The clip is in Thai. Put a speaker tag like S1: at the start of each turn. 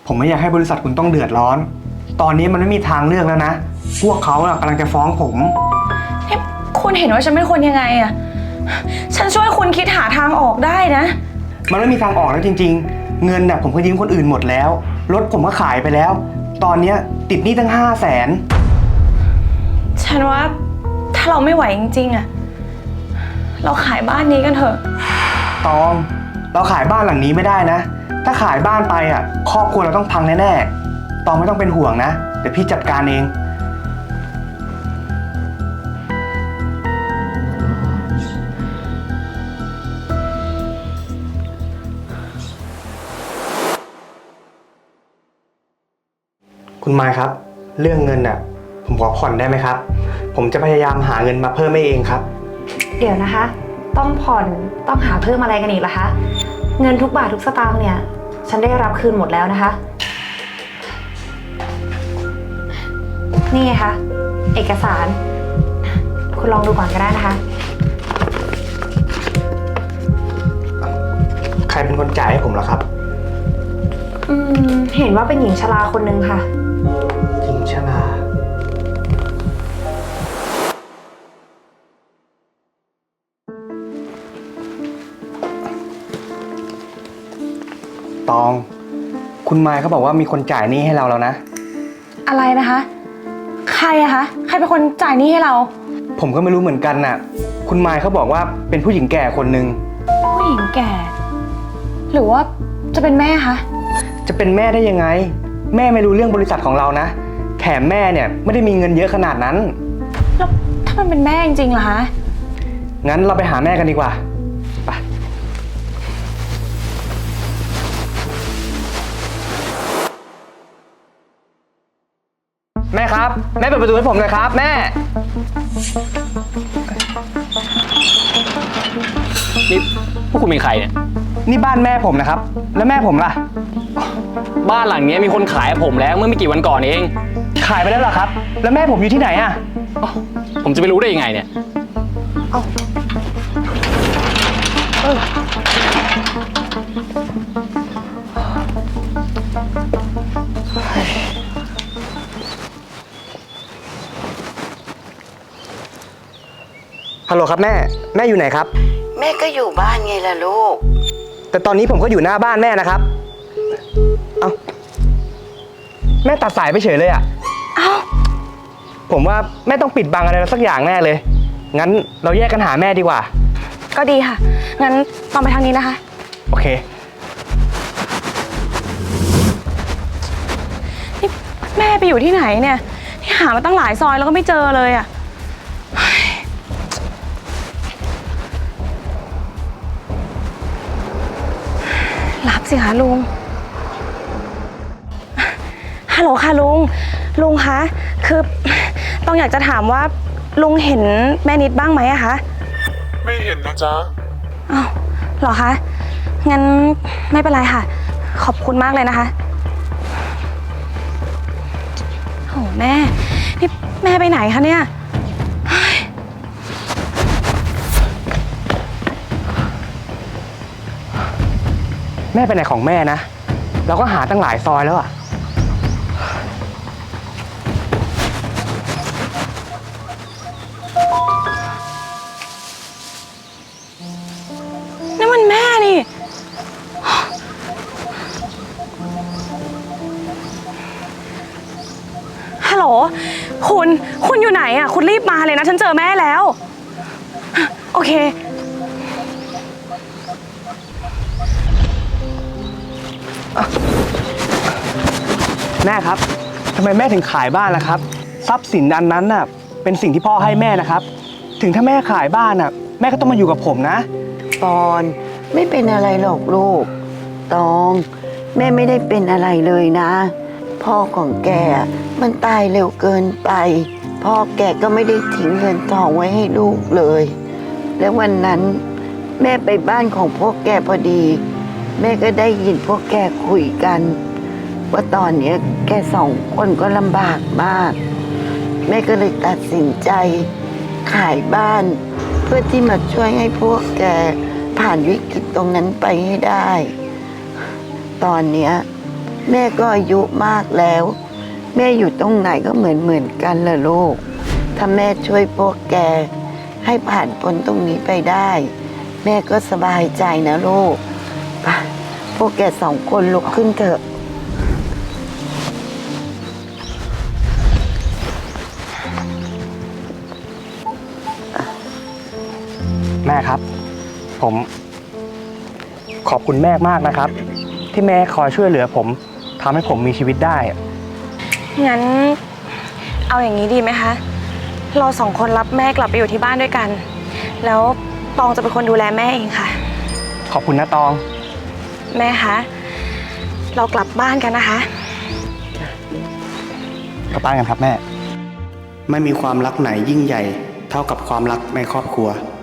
S1: ผมไม่อยากให้บริษัทคุณต้องเดือดร้อน ตอนนี้มันไม่มีทางเลือกแล้วนะพวกเขากำลังจะฟ้องผม
S2: นี่คุณเห็นว่าฉันเป็นคนยังไงอะฉันช่วยคุณคิดหาทางออกได้นะ
S1: มันไม่มีทางออกแล้วจริงๆเงินน่ะผมก็ยืมคนอื่นหมดแล้วรถผมก็ขายไปแล้วตอนนี้ติดหนี้ตั้ง500,000
S2: ฉันว่าถ้าเราไม่ไหวจริงๆอะเราขายบ้านนี้กันเถอะ
S1: ตองเราขายบ้านหลังนี้ไม่ได้นะถ้าขายบ้านไปครอบครัวเราต้องพังแน่ๆตองไม่ต้องเป็นห่วงนะเดี๋ยวพี่จัดการเองคุณไมค์ครับเรื่องเงินผมขอผ่อนได้ไหมครับผมจะพยายามหาเงินมาเพิ่มให้เองครับ
S3: เดี๋ยวนะคะต้องผ่อนต้องหาเพิ่มอะไรกันอีกล่ะคะเงินทุกบาททุกสตางค์เนี่ยฉันได้รับคืนหมดแล้วนะคะนี่ไงคะเอกสารคุณลองดูก่อนก็ได้นะคะ
S1: ใครเป็นคนจ่ายให้ผมล่ะครับ
S3: เห็นว่าเป็นหญิงชราคนนึงค่ะ
S1: หญิงชราตองคุณไมค์เขาบอกว่ามีคนจ่ายหนี้ให้เราแล้วนะ
S2: อะไรนะคะใครอะคะใครเป็นคนจ่ายหนี้ให้เรา
S1: ผมก็ไม่รู้เหมือนกันน่ะคุณไมค์เขาบอกว่าเป็นผู้หญิงแก่คนหนึ่ง
S2: ผู้หญิงแก่หรือว่าจะเป็นแม่คะ
S1: จะเป็นแม่ได้ยังไงแม่ไม่รู้เรื่องบริษัทของเรานะแถมแม่เนี่ยไม่ได้มีเงินเยอะขนาดนั้น
S2: แล้วถ้ามันเป็นแม่จริงๆล่ะคะ
S1: งั้นเราไปหาแม่กันดีกว่าไปแม่ครับแม่เปิดประตูให้ผมหน่อยครับแม่
S4: นี่พวกคุณเป็นใครเนี่ย
S1: นี่บ้านแม่ผมนะครับแล้วแม่ผมล่ะ
S4: บ้านหลังนี้มีคนขายให้ผมแล้วเมื่อไม่กี่วันก่อนเอง
S1: ขายไปแล้วเหรอครับแล้วแม่ผมอยู่ที่ไหนอะ
S4: ผมจะไปรู้ได้ยังไงเนี่ย
S1: ฮัลโหลครับแม่อยู่ไหนครับ
S5: แม่ก็อยู่บ้านไงล่ะลูก
S1: แต่ตอนนี้ผมก็อยู่หน้าบ้านแม่นะครับเอ้าแม่ตัดสายไปเฉยเลยอ่ะ
S2: เอ้า
S1: ผมว่าแม่ต้องปิดบังอะไรสักอย่างแน่เลยงั้นเราแยกกันหาแม่ดีกว่า
S2: ก็ดีค่ะงั้นต้องไปทางนี้นะคะ
S1: โอเค
S2: นี่แม่ไปอยู่ที่ไหนเนี่ยที่หามาตั้งหลายซอยแล้วก็ไม่เจอเลยอ่ะรับสิคะลุงฮัลโหลค่ะลุงคะคือต้องอยากจะถามว่าลุงเห็นแม่นิดบ้างไหมอะคะ
S6: ไม่เห็นนะจ๊ะ
S2: อ้าวเหรอคะงั้นไม่เป็นไรค่ะขอบคุณมากเลยนะคะโอ้แม่นี่แม่ไปไหนคะเนี่ย
S1: แม่ไปไหนของแม่นะเราก็หาตั้งหลายซอยแล้วอ่ะ
S2: นี่มันแม่นี่ฮัลโหลคุณอยู่ไหนอ่ะคุณรีบมาเลยนะฉันเจอแม่แล้วโอเค
S1: แม่ครับทำไมแม่ถึงขายบ้านล่ะครับทรัพย์สินอันนั้นน่ะเป็นสิ่งที่พ่อให้แม่นะครับถึงถ้าแม่ขายบ้านน่ะแม่ก็ต้องมาอยู่กับผมนะ
S5: ปอนไม่เป็นอะไรหรอกลูกตองแม่ไม่ได้เป็นอะไรเลยนะพ่อของแกมันตายเร็วเกินไปพ่อแกก็ไม่ได้ทิ้งเงินทองไว้ให้ลูกเลยและวันนั้นแม่ไปบ้านของพวกแกพอดีแม่ก็ได้ยินพวกแกคุยกันว่าตอนนี้แก2 คนก็ลำบากมากแม่ก็เลยตัดสินใจขายบ้านเพื่อที่มาช่วยให้พวกแกผ่านวิกฤตตรงนั้นไปให้ได้ตอนนี้แม่ก็อายุมากแล้ว แม่อยู่ตรงไหนก็เหมือนกันล่ะลูก ถ้าแม่ช่วยพวกแกให้ผ่านพ้นตรงนี้ไปได้ แม่ก็สบายใจนะลูกไปพวกแกสองคนลุกขึ้นเถอะ
S1: แม่ครับ ผมขอบคุณแม่มากนะครับ ที่แม่คอยช่วยเหลือผมทำให้ผมมีชีวิตได้
S2: งั้นเอาอย่างนี้ดีไหมคะ เราสองคนรับแม่กลับไปอยู่ที่บ้านด้วยกัน แล้วตองจะเป็นคนดูแลแม่เองค่ะ
S1: ขอบคุณนะตอง
S2: แม่คะ เรากลับบ้านกันนะคะ
S1: กลับบ้านกันครับแม่
S7: ไม่มีความรักไหนยิ่งใหญ่เท่ากับความรักในครอบครัว